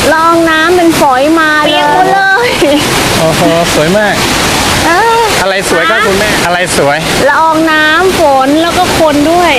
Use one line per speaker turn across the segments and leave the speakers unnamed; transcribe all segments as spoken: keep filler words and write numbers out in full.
ลองน้ำเป็นฝอยมาเปียกหมดเลย
โอ้โหสวยมากอะไรสวยครับคุณแม่อะไรสวย
ละอองน้ำฝนแล้วก็คนด้วย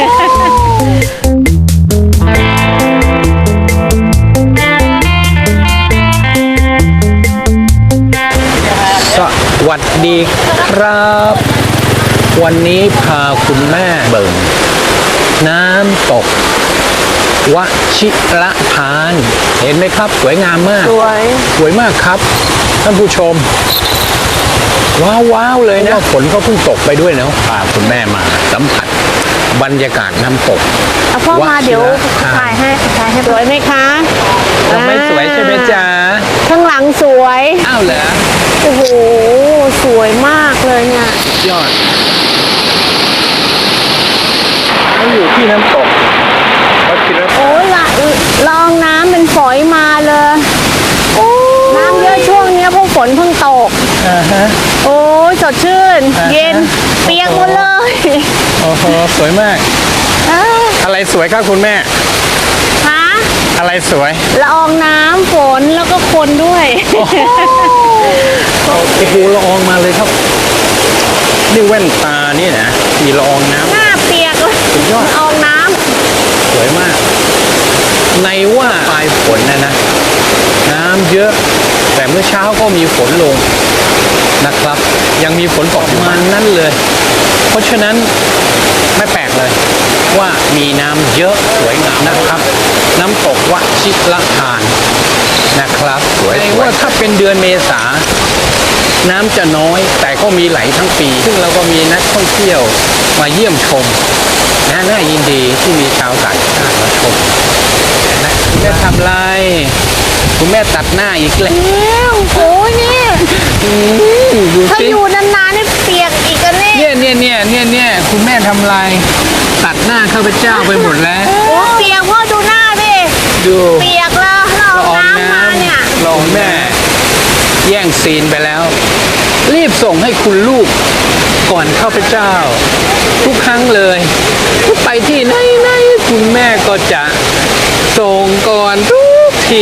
สวัสดีครับวันนี้พาคุณแม่เบิ่งน้ำตกวชิระทานเห็นไหมครับสวยงามมาก
สวย
สวยมากครับท่านผู้ชมว้าวว้าวเลยนะฝนก็เพิ่งตกไปด้วยนะพาคุณแม่มาสัมผัสบรรยากาศน้ำตก
เอาพ่อมาเดี๋ยวถ่ายให้ถ่ายให้สวยไหมคะ
ไม่สวยใช่ไหมจ๊ะ
ข้างหลังสวย
อ้าวเหรอ
โอ้โหสวยมากเลยเนี่ย
ยอดเราอยู่ที่น้ำตก
โอ้ละลองน้ำเป็นฝอยมาเลยโอ้น้ำเยอะช่วงนี้เพราะฝนเพิ่งตก
อ่าฮะ
โอ้สดชื่นเย็นเปียกหมดเลย
โอ้โหสวยมากอะไรสวยครับคุณแม่
ฮะ
อะไรสวย
ละอองน้ำฝนแล้วก็คนด้วย
โอ้โหละอองมาเลยครับนี่แว่นตานี่นะมีละอองน้ำ
หน้าเปียกเลย
สุดยอด
ละอองน้ำ
สวยมากในว่าปลายฝนนะนะน้ำเยอะแต่เมื่อเช้าก็มีฝนลงนะครับยังมีฝนตกมานั่นเลยเพราะฉะนั้นไม่แปลกเลยว่ามีน้ำเยอะสวยงามนะครับน้ำตกวชิระทานนะครับสวยว่าถ้าเป็นเดือนเมษาน้ำจะน้อยแต่ก็มีไหลทั้งปีซึ่งเราก็มีนักท่องเที่ยวมาเยี่ยมชมนะน่ายินดีที่มีชาวต่างชาติมาชมนะคุณแม่ทำไรคุณแม่ตัดหน้าอีกแล้ว
โอ้ยนี่ถ้าอยู่นานๆนี่เปียกอีกกัน
เนี่ยเนี่ยเนี่ยเนี่ยเนี่ยคุณแม่ทำไรตัดหน้าข้าพเจ้าไปหมดแล้ว
โอ้เปียกพ่อดูหน้าดิ
ดู
เปียกแล้วเราน้ำมาเนี่ย
ลองแม่แย่งซีนไปแล้วรีบส่งให้คุณลูกก่อนข้าพเจ้าทุกครั้งเลยทุกไปที่ไหนไหนคุณแม่ก็จะส่งก่อนทุกที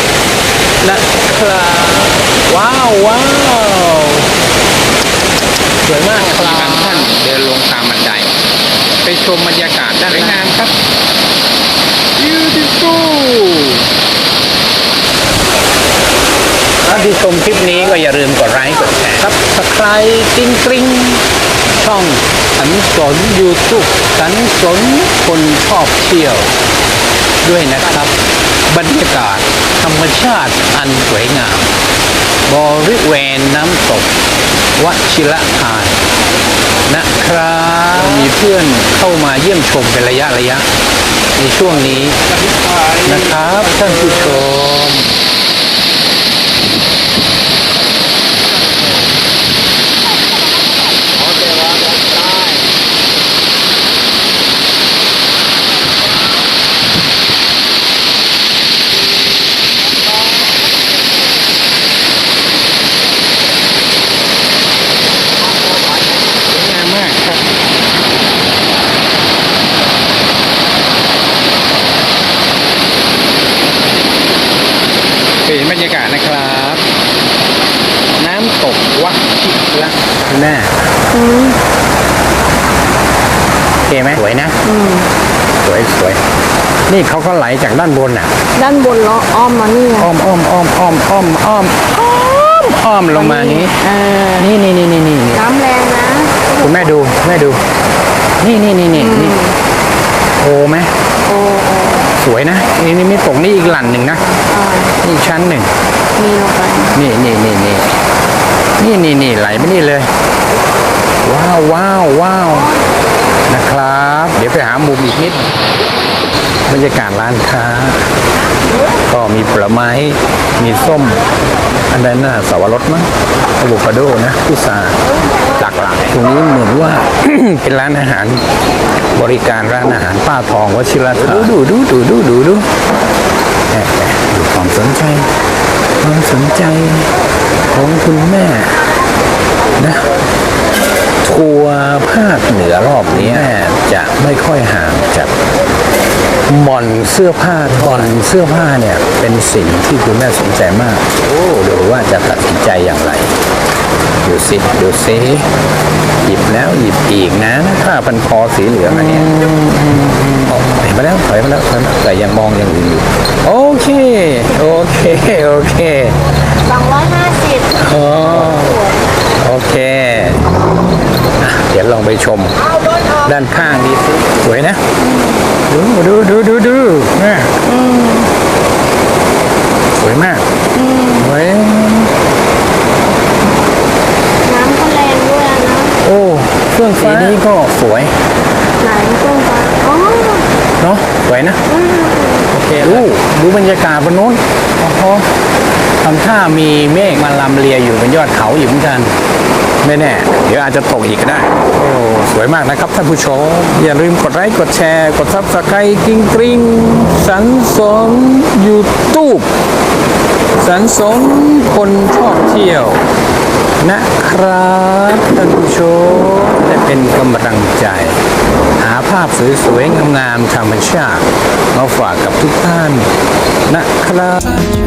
นะครับว้าวว้าวสวยมากครับท่านเดินลงตามบันไดไปชมบรรยากาศด้านล่างครับ beautiful ถ้าที่ชมคลิปนี้ก็อย่าลืมกดไลค์กดแชร์ครับสไครต์กริ๊งกริ๊งช่องสันสน YouTube สันสนคนชอบเที่ยวด้วยนะครับบรรยากาศธรรมชาติอันสวยงามบริเวณน้ำตกวชิระทานนะครับมีเพื่อนเข้ามาเยี่ยมชมเป็นระยะระยะในช่วงนี้นะครับท่านผู้ชมเห็นบรรยากาศนะครับน้ำตกวชิระแม่โอเคไหมสวยนะสวยสวยนี่เขาก็ไหลจากด้านบนอ่ะ
ด้านบนล้ออ้อมมานี่
อ้อมอ้อมอ้อมอ้อมอ้อมอ้อมอ้อมอ้อมลงมานี้นี่นี่นี่นี่นี่
น้ำแรงนะ
คุณแม่ดูแม่ดูนี่นี่นี่นี่นี่โอ้ไหม
โอ้
สวยนะนี่นี่มีตกนี่อีกหลั่นหนึ่งนะนี่ชั้นหนึ่ง
มีลงไป
นี่นี่นี่นี่นี่นี่นี่ไหลไปนี่เลยว้าวว้าวว้าวนะครับเดี๋ยวไปหามุมอีกนิดบรรยากาศร้านค้าก็มีผลไม้มีส้มอันนั้นน่ะสวรสมั้งอะโวคาโดนะพุทราหลากหลายตรงนี้เหมือนว่า เป็นร้านอาหารบริการร้านอาหารป้าทองวชิระทานดูดูดูดูดูดูแอบดูความสนใจความสนใจของคุณแม่นะทัวร์ภาคเหนือรอบนี้จะไม่ค่อยห่างจากมอนเซสื้อผ้าถอนเสื้อผ้าเนี่ยเป็นสิ่งที่คุณแม่สนใจมากโอ้ดูว่าจะตัดสินใจอย่างไรดูสิดูสิหยิบแล้วหยิบอีกนะผ้าพันคอสีเหลืองอันเนี้ยโอ้เห็นมาแล้วถอยมาแล้วถอยมาแต่ยังมองอย่างอื่นอยู่โอเคโอเคโอเค
สองร้อยห้าสิบ
อ๋อโอเคอ่ะเดี๋ยวลองไปชมด้านข้างดีสิสวยนะดูดูดูดูดูแม่สวยมากสวย
น้ำก็แรงด้วยนะ
โอ้เครื่องฟ้านี้ก็สวย
ไหนเครื่องฟ้าอ๋อ
เนาะสวยนะโอเคดูดูบรรยากาศบนนู้นโอ้โหทำท่ามีเมฆมาลำเลียอยู่บนยอดเขาอยู่เหมือนกันไม่แน่เดี๋ยวอาจจะตกอีกก็ได้โอ้สวยมากนะครับท่านผู้ชมอย่าลืมกดไลค์กดแชร์กดซับสไครต์กริ๊งกริ๊งสันสนยูทูบสันสนคนชอบเที่ยวนะครับท่านผู้ชมได้เป็นกำลังใจ หาภาพสวยๆงามๆธรรมชาติมาฝากกับทุกท่านนะครับ